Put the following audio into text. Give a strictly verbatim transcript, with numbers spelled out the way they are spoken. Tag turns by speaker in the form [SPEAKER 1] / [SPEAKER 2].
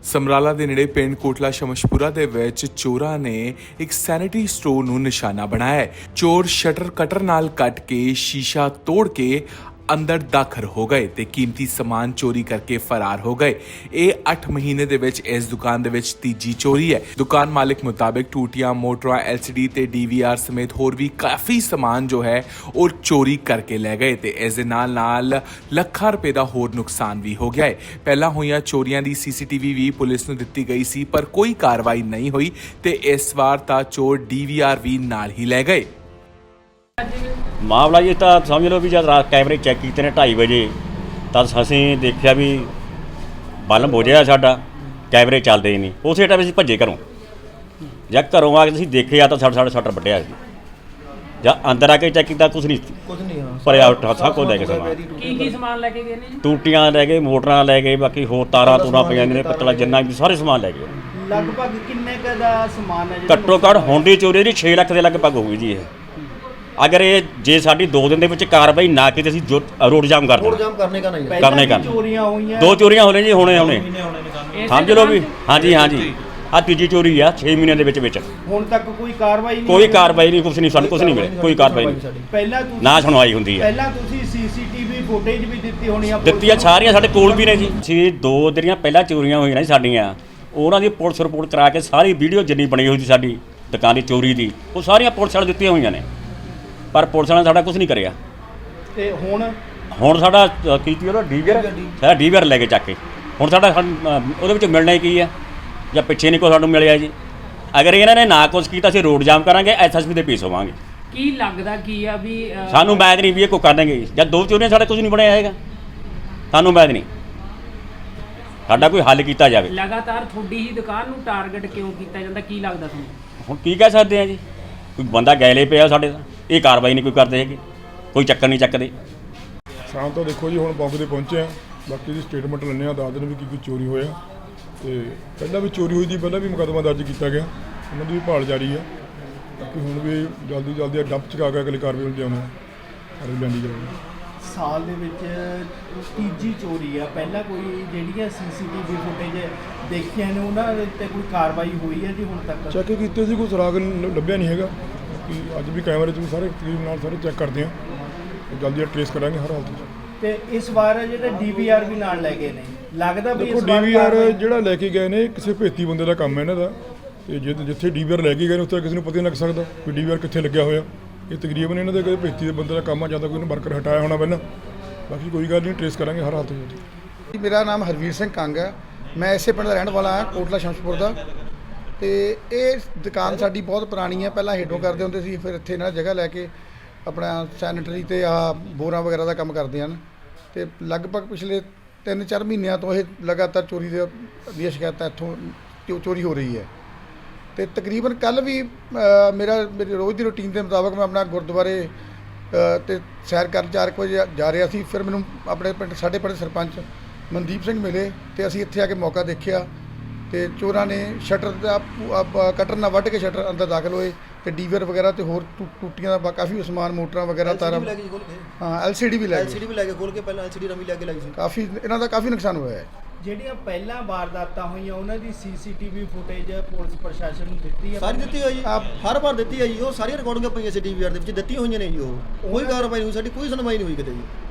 [SPEAKER 1] ਸਮਰਾਲਾ ਦੇ ਨੇੜੇ ਪਿੰਡ ਕੋਟਲਾ ਸ਼ਮਸ਼ਪੁਰਾ ਦੇ ਵਿੱਚ ਚੋਰਾਂ ਨੇ ਇੱਕ ਸੈਨਿਟਰੀ ਸਟੋਰ ਨੂੰ ਨਿਸ਼ਾਨਾ ਬਣਾਇਆ ਹੈ। ਚੋਰ ਸ਼ਟਰ ਕਟਰ ਨਾਲ ਕੱਟ ਕੇ ਸ਼ੀਸ਼ਾ ਤੋੜ ਕੇ ਅੰਦਰ ਦਾਖਲ ਹੋ ਗਏ ਤੇ ਕੀਮਤੀ ਸਮਾਨ ਚੋਰੀ ਕਰਕੇ ਫਰਾਰ ਹੋ ਗਏ। ਇਹ ਅੱਠ ਮਹੀਨੇ ਦੇ ਵਿੱਚ ਇਸ ਦੁਕਾਨ ਦੇ ਵਿੱਚ ਤੀਜੀ ਚੋਰੀ ਹੈ। ਦੁਕਾਨ ਮਾਲਕ ਮੁਤਾਬਿਕ ਟੂਟੀਆਂ, ਮੋਟਰਾਂ, ਐਲ ਸੀ ਡੀ ਤੇ ਡੀ ਵੀ ਆਰ ਸਮੇਤ ਹੋਰ ਵੀ ਕਾਫੀ ਸਮਾਨ ਜੋ ਹੈ ਉਹ ਚੋਰੀ ਕਰਕੇ ਲੈ ਗਏ ਤੇ ਇਸ ਦੇ ਨਾਲ ਨਾਲ ਲੱਖਾਂ ਰੁਪਏ ਦਾ ਹੋਰ ਨੁਕਸਾਨ ਵੀ ਹੋ ਗਿਆ ਹੈ। ਪਹਿਲਾਂ ਹੋਈਆਂ ਚੋਰੀਆਂ ਦੀ ਸੀ ਸੀ ਟੀ ਵੀ ਵੀ ਪੁਲਿਸ ਨੂੰ ਦਿੱਤੀ ਗਈ ਸੀ, ਪਰ ਕੋਈ ਕਾਰਵਾਈ ਨਹੀਂ ਹੋਈ ਤੇ ਇਸ ਵਾਰ ਤਾਂ ਚੋਰ ਡੀ ਵੀ ਆਰ ਵੀ ਨਾਲ ਹੀ ਲੈ ਗਏ।
[SPEAKER 2] ਮਾਮਲਾ ਜੀ ਤਾਂ ਸਮਝ ਲਓ ਵੀ ਜਦ ਰਾਤ ਕੈਮਰੇ ਚੈੱਕ ਕੀਤੇ ਨੇ ਢਾਈ ਵਜੇ ਤਾਂ ਅਸੀਂ ਦੇਖਿਆ ਵੀ ਬਲਬ ਹੋ ਜਾਇਆ ਸਾਡਾ, ਕੈਮਰੇ ਚੱਲਦੇ ਹੀ ਨਹੀਂ। ਉਸੇ ਟਾਈਮ ਅਸੀਂ ਭੱਜੇ ਘਰੋਂ। ਜਾਂ ਘਰੋਂ ਆ ਕੇ ਅਸੀਂ ਦੇਖਿਆ ਤਾਂ ਸਾਡਾ ਸਾਡਾ ਸ਼ਟਰ ਵੱਢਿਆ ਸੀ। ਜਾਂ ਅੰਦਰ ਆ ਕੇ ਚੈੱਕ ਕੀਤਾ, ਕੁਛ ਨਹੀਂ
[SPEAKER 3] ਕੁਝ ਨਹੀਂ ਹਾਂ
[SPEAKER 2] ਭਰਿਆ ਉੱਠਾ ਸਭ ਕੁਝ ਲੈ ਕੇ ਸਮਾਨ।
[SPEAKER 4] ਕੀ ਕੀ ਸਮਾਨ ਲੈ ਕੇ ਗਏ ਨੇ ਜੀ?
[SPEAKER 2] ਟੂਟੀਆਂ ਲੈ ਗਏ, ਮੋਟਰਾਂ ਲੈ ਗਏ, ਬਾਕੀ ਹੋਰ ਤਾਰਾਂ ਤੂਰਾਂ ਪਈਆਂ ਨੇ, ਪਿੱਤਲਾ ਜਿੰਨਾ ਵੀ ਸਾਰੇ ਸਮਾਨ ਲੈ ਗਏ।
[SPEAKER 3] ਲਗਭਗ ਕਿੰਨੇ ਕੁ ਦਾ ਸਮਾਨ ਹੈ ਜਿਹੜਾ
[SPEAKER 2] ਘੱਟੋ ਘੱਟ ਹੁਣ ਦੀ ਚੋਰੀ ਦੀ ਛੇ ਲੱਖ ਦੇ ਲਗਭਗ ਹੋਊਗੀ ਜੀ ਇਹ। अगर ये जे साड़ी दो दिन के कार्रवाई ना की तो जो रोड जाम कर
[SPEAKER 3] रोड जाम करने का नहीं है।
[SPEAKER 2] करने का
[SPEAKER 3] चोरियां हुई हैं,
[SPEAKER 2] दो चोरियां होने जी होने होने समझ लो भी। हाँ जी हाँ जी आ तीजी चोरी है छे महीने के विच विच
[SPEAKER 3] ਹੁਣ ਤੱਕ ਕੋਈ ਕਾਰਵਾਈ ਨਹੀਂ
[SPEAKER 2] कोई कार्रवाई नहीं, कुछ नहीं, सानू कुछ नहीं मिले, कोई कार्रवाई नहीं।
[SPEAKER 3] ਪਹਿਲਾਂ ਤੁਸੀਂ
[SPEAKER 2] ना सुनवाई हुंदी है।
[SPEAKER 3] ਪਹਿਲਾਂ ਤੁਸੀਂ ਸੀ ਸੀ ਟੀ ਵੀ ਫੁਟੇਜ ਵੀ ਦਿੱਤੀ ਹੋਣੀ ਆ
[SPEAKER 2] ਦਿੱਤੀਆਂ ਸਾਰੀਆਂ ਸਾਡੇ ਕੋਲ ਵੀ ਨੇ ਜੀ। ਅਸੀਂ ਦੋ ਜਿਹੜੀਆਂ ਪਹਿਲਾਂ ਚੋਰੀਆਂ ਹੋਈਆਂ ਨੇ ਸਾਡੀਆਂ, ਉਹਨਾਂ ਦੀ ਪੁਲਿਸ ਰਿਪੋਰਟ ਕਰਾ ਕੇ ਸਾਰੀ ਵੀਡੀਓ ਜਿੰਨੀ ਬਣੀ ਹੋਈ ਸੀ ਸਾਡੀ ਦੁਕਾਨ ਦੀ ਚੋਰੀ ਦੀ, ਉਹ ਸਾਰੀਆਂ ਪੁਲਿਸ ਵਾਲੇ ਦਿੱਤੀਆਂ ਹੋਈਆਂ ਨੇ, ਪਰ ਪੁਲਿਸ ਨੇ ਸਾਡਾ ਕੁਝ ਨਹੀਂ ਕਰਿਆ।
[SPEAKER 3] ਤੇ ਹੁਣ
[SPEAKER 2] ਹੁਣ ਸਾਡਾ ਕੀਤੀ ਉਹਦਾ ਡੀਵੀਆਰ ਸਾਡਾ ਡੀਵੀਆਰ ਲੈ ਕੇ ਚੱਕ ਕੇ ਹੁਣ ਸਾਡਾ ਉਹਦੇ ਵਿੱਚ ਮਿਲਣਾ ਹੀ ਕੀ ਹੈ ਜਾਂ ਪਿੱਛੇ ਨਹੀਂ ਕੋਈ ਸਾਨੂੰ ਮਿਲਿਆ ਜੀ। ਅਗਰ ਇਹਨਾਂ ਨੇ ਨਾ ਕੁਛ ਕੀਤਾ ਅਸੀਂ ਰੋਡ ਜਾਮ ਕਰਾਂਗੇ, ਐਸ ਐਸ ਪੀ ਦੇ ਪੇਸ਼ ਹੋਵਾਂਗੇ।
[SPEAKER 4] ਕੀ ਲੱਗਦਾ ਕੀ ਆ ਵੀ ਅਹ,
[SPEAKER 2] ਸਾਨੂੰ ਮੈਦ ਨਹੀਂ ਵੀ ਇਹ ਕੋਈ ਕਰ ਦੇਣਗੇ। ਜਦ ਦੋ ਚੋਰੀਆਂ ਸਾਡਾ ਕੁਝ ਨਹੀਂ ਬਣਿਆ ਹੈਗਾ, ਸਾਨੂੰ ਮੈਦ ਨਹੀਂ, ਸਾਡਾ ਕੋਈ ਹੱਲ ਕੀਤਾ ਜਾਵੇ।
[SPEAKER 4] ਲਗਾਤਾਰ ਤੁਹਾਡੀ ਹੀ ਦੁਕਾਨ ਨੂੰ ਟਾਰਗੇਟ ਕਿਉਂ ਕੀਤਾ ਜਾਂਦਾ, ਕੀ ਲੱਗਦਾ ਤੁਹਾਨੂੰ?
[SPEAKER 2] ਹੁਣ ਕੀ ਕਹਿ ਸਕਦੇ ਆ ਜੀ, ਕੋਈ ਬੰਦਾ ਗੈਲੇ ਪਿਆ ਸਾਡੇ ਦਾ, ਇਹ ਕਾਰਵਾਈ ਨਹੀਂ ਕੋਈ ਕਰਦੇ ਹੈਗੇ, ਕੋਈ ਚੱਕਰ ਨਹੀਂ ਚੱਕਦੇ।
[SPEAKER 5] ਸ਼ਾਮ ਤੋਂ ਦੇਖੋ ਜੀ ਹੁਣ ਮੌਕੇ 'ਤੇ ਪਹੁੰਚੇ ਆ, ਬਾਕੀ ਦੀ ਸਟੇਟਮੈਂਟ ਲੈਂਦੇ ਆ, ਦੱਸ ਦਿਨ ਵੀ ਕੀ ਕੀ ਚੋਰੀ ਹੋਇਆ ਤੇ ਪਹਿਲਾਂ ਵੀ ਚੋਰੀ ਹੋਈ ਦੀ ਪਹਿਲਾਂ ਵੀ ਮੁਕੱਦਮਾ ਦਰਜ ਕੀਤਾ ਗਿਆ, ਉਹਨਾਂ ਦੀ ਵੀ ਭਾਲ ਜਾਰੀ ਆ। ਬਾਕੀ ਹੁਣ ਵੀ ਜਲਦੀ ਜਲਦੀ ਡੰਪ ਚਕਾ ਕੇ ਅਗਲੀ ਕਾਰਵਾਈ ਹੁੰਦੀ ਆਉਣਾ ਅਰੇ ਲੈਂਦੀ ਜਾਊਗੀ।
[SPEAKER 3] ਸਾਲ ਦੇ ਵਿੱਚ ਤੀਜੀ ਚੋਰੀ ਆ, ਪਹਿਲਾਂ ਕੋਈ ਜਿਹੜੀਆਂ ਸੀ ਸੀ ਟੀ ਵੀ ਫੁਟੇਜ ਦੇਖੀਆਂ ਨੇ ਉਹਨਾਂ ਦੇ ਉੱਤੇ ਕੋਈ ਕਾਰਵਾਈ ਹੋਈ ਹੈ ਜੀ ਹੁਣ ਤੱਕ?
[SPEAKER 5] ਚੈੱਕ ਕੀਤੇ ਸੀ, ਕੋਈ ਸੁਰਾਗ ਲ- ਲੱਭਿਆ ਨਹੀਂ ਹੈਗਾ। ਕਿ ਅੱਜ ਵੀ ਕੈਮਰੇ 'ਚ ਵੀ ਸਾਰੇ ਤਕਰੀਬ ਨਾਲ ਸਾਰੇ ਚੈੱਕ ਕਰਦੇ ਆ, ਜਲਦੀ ਟਰੇਸ ਕਰਾਂਗੇ ਹਰ ਹਾਲਤ 'ਚ।
[SPEAKER 3] ਤੇ ਇਸ ਵਾਰ ਜਿਹੜੇ ਡੀ ਵੀ ਆਰ ਵੀ ਨਾਲ ਲੈ ਗਏ ਨੇ, ਲੱਗਦਾ ਵੀ
[SPEAKER 5] ਦੇਖੋ
[SPEAKER 3] ਇਸ
[SPEAKER 5] ਡੀ
[SPEAKER 3] ਵਾਰ
[SPEAKER 5] ਵੀ ਆਰ
[SPEAKER 3] ਕਾਰਵਾਈ-
[SPEAKER 5] ਜਿਹੜਾ ਲੈ ਕੇ ਗਏ ਨੇ ਕਿਸੇ ਭੇਤੀ ਬੰਦੇ ਦਾ ਕੰਮ ਹੈ ਇਹਨਾਂ ਦਾ, ਤੇ ਜਿ ਜਿੱਥੇ ਡੀ ਵੀ ਆਰ ਲੈ ਕੇ ਗਏ ਨੇ ਉੱਥੇ ਕਿਸੇ ਨੂੰ ਪਤਾ ਨਹੀਂ ਲੱਗ ਸਕਦਾ ਕਿ ਡੀ ਵੀ ਆਰ ਕਿੱਥੇ ਲੱਗਿਆ ਹੋਇਆ। ਇਹ ਤਕਰੀਬਨ ਇਹਨਾਂ ਦੇ ਕਿਸੇ ਭੇਤੀ ਦੇ ਬੰਦੇ ਦਾ ਕੰਮ ਆ, ਜਾਂ ਤਾਂ ਕੋਈ ਵਰਕਰ ਹਟਾਇਆ ਹੋਣਾ ਪਹਿਲਾਂ। ਬਾਕੀ ਕੋਈ ਗੱਲ ਨਹੀਂ, ਟਰੇਸ ਕਰਾਂਗੇ ਹਰ ਹਾਲਤ ਵਿੱਚ।
[SPEAKER 6] ਮੇਰਾ ਨਾਮ ਹਰਵੀਰ ਸਿੰਘ ਕੰਗ ਹੈ, ਮੈਂ ਇਸੇ ਪਿੰਡ ਦਾ ਰਹਿਣ ਵਾਲਾ ਹਾਂ, ਕੋਟਲਾ ਸ਼ਮਸ਼ਪੁਰ ਦਾ। ਤੇ ਇਹ ਦੁਕਾਨ ਸਾਡੀ ਬਹੁਤ ਪੁਰਾਣੀ ਹੈ, ਪਹਿਲਾਂ ਹੇਠੋਂ ਕਰਦੇ ਹੁੰਦੇ ਸੀ, ਫਿਰ ਇੱਥੇ ਇਹਨਾਂ ਜਗ੍ਹਾ ਲੈ ਕੇ ਆਪਣਾ ਸੈਨੇਟਰੀ ਤੇ ਆ ਬੋਰਾਂ ਵਗੈਰਾ ਦਾ ਕੰਮ ਕਰਦੇ ਹਨ। ਤੇ ਲਗਭਗ ਪਿਛਲੇ ਤਿੰਨ ਚਾਰ ਮਹੀਨਿਆਂ ਤੋਂ ਇਹ ਲਗਾਤਾਰ ਚੋਰੀ ਦੇ ਦੀਆਂ ਸ਼ਿਕਾਇਤਾਂ ਇੱਥੋਂ ਚੋ- ਚੋਰੀ ਹੋ ਰਹੀ ਹੈ। ਤੇ ਤਕਰੀਬਨ ਕੱਲ੍ਹ ਵੀ ਅ, ਮੇਰਾ ਮੇਰੀ ਰੋਜ਼ ਦੀ ਰੂਟੀਨ ਦੇ ਮੁਤਾਬਕ ਮੈਂ ਆਪਣਾ ਗੁਰਦੁਆਰੇ ਅ, ਤੇ ਸੈਰ ਕਰਨ ਚਾਰ ਕੁ ਵਜੇ ਜਾ ਰਿਹਾ ਸੀ। ਫਿਰ ਮੈਨੂੰ ਆਪਣੇ ਪਿੰਡ ਸਾਡੇ ਪਿੰਡ ਸਰਪੰਚ ਮਨਦੀਪ ਸਿੰਘ ਮਿਲੇ ਤੇ ਅਸੀਂ ਇੱਥੇ ਆ ਕੇ ਮੌਕਾ ਦੇਖਿਆ ਤੇ ਚੋਰਾਂ ਨੇ ਸ਼ਟਰ ਦਾ ਪੂ- ਕਟਰ ਨਾਲ ਵੱਢ ਕੇ ਸ਼ਟਰ ਅੰਦਰ ਦਾਖਲ ਹੋਏ ਤੇ ਡੀਵਰ ਵਗੈਰਾ ਤੇ ਹੋਰ ਟੂ- ਟੂਟੀਆਂ ਦਾ ਕਾਫੀ ਸਮਾਨ, ਮੋਟਰਾਂ ਵਗੈਰਾ, ਤਾਰਾਂ, ਹਾਂ ਐਲ ਸੀ ਡੀ ਵੀ ਲੈ ਗਏ।
[SPEAKER 7] ਐਲ ਸੀ ਡੀ ਵੀ ਲੈ ਕੇ ਖੋਲ ਕੇ ਪਹਿਲਾਂ ਐਲ ਸੀ ਡੀ ਨਵੀਂ ਲੈ ਕੇ ਲਾਈ ਸੀ।
[SPEAKER 6] ਕਾਫੀ ਇਹਨਾਂ ਦਾ ਕਾਫੀ ਨੁਕਸਾਨ ਹੋਇਆ ਹੈ।
[SPEAKER 3] ਜਿਹੜੀਆਂ ਪਹਿਲਾਂ ਵਾਰਦਾਤਾਂ ਹੋਈਆਂ ਉਹਨਾਂ ਦੀ C C T V footage police ਪ੍ਰਸ਼ਾਸਨ ਨੂੰ ਦਿੱਤੀ ਹੈ?
[SPEAKER 7] ਸਾਰੀ ਦਿੱਤੀ ਹੋਈ ਜੀ, ਹਰ ਵਾਰ ਦਿੱਤੀ ਹੈ ਜੀ, ਉਹ ਸਾਰੀਆਂ ਰਿਕਾਰਡਿੰਗਾਂ ਪਈਆਂ ਸੀ ਡੀ ਵੀ ਆਰ ਦੇ ਵਿੱਚ ਦਿੱਤੀਆਂ ਹੋਈਆਂ ਨੇ ਜੀ। ਉਹ ਕੋਈ ਕਾਰਵਾਈ ਨਹੀਂ ਹੋਈ, ਸਾਡੀ ਕੋਈ ਸੁਣਵਾਈ ਨਹੀਂ ਹੋਈ ਕਿਤੇ ਜੀ।